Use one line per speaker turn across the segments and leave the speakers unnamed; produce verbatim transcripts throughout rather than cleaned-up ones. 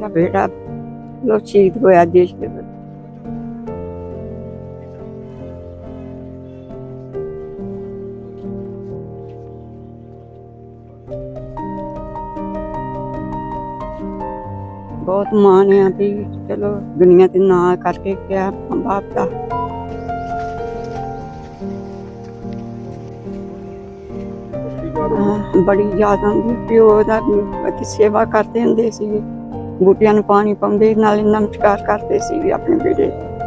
मेरा बेटा लो शहीद होया देश के प्रति। बहुत माण है भी चलो दुनिया ते ना करके क्या मां बाप का बड़ी याद आती। प्यो दा सेवा करते हुंदे सी, बूटियां नूं पानी पाउंदे, नाले नमस्कार करते सी अपने बेटे।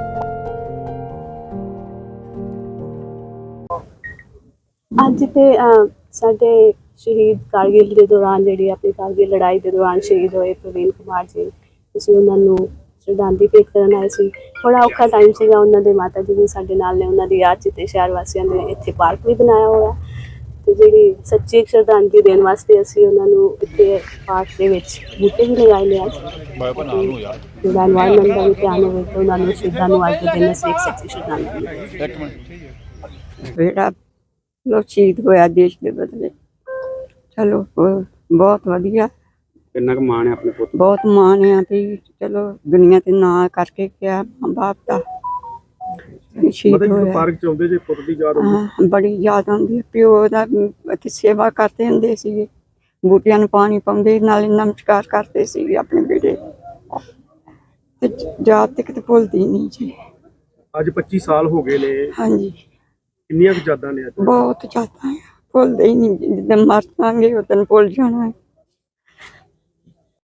अज ते साडे शहीद कारगिल के दौरान जी अपनी कारगिल लड़ाई के दौरान शहीद होए प्रवीण कुमार जी, असीं उन्हां नूं श्रद्धांजलि भेंट करन आए सी। बड़ा औखा टाइम सीगा, उन्हां दे माता जी भी साडे नाल ने, उन्हां दी याद च ते शहर वासियां ने इत्थे पार्क भी बनाया होया ते जिहड़ी सच्ची श्रद्धांजलि देण वास्ते असीं उन्हां नूं इत्थे पार्क दे विच बूटे भी लगाए ने। अज जिहड़ा एनवायरनमेंट दा भी ध्यान होवे ते उन्हां नूं शहीदां नूं अज दे दिन असीं एक सच्ची श्रद्धांजलि
बेटा लो शहीद होया देश के बदले। चलो बहुत वधिया,
किन्ना क माण है अपने पुत?
बहुत माण है भी चलो दुनिया ते ना करके क्या मां बाप का शहीद होया।
पार्क च आउंदे जे पुत दी याद आउंदी?
बड़ी याद आती। प्यो दा सेवा करते हुंदे सी, बूटियां नूं पानी पाउंदे, नाले नमस्कार करते सी अपने बेटे। याद ते किते भुलदी नहीं जी।
अज पच्ची साल हो गए ने।
हाँ जी,
किन्नियां क यादां ने?
बहुत ज्यादा है, भुलदे ही नहीं। जिद्दन मर जांगे उस दिन भुल जाना है।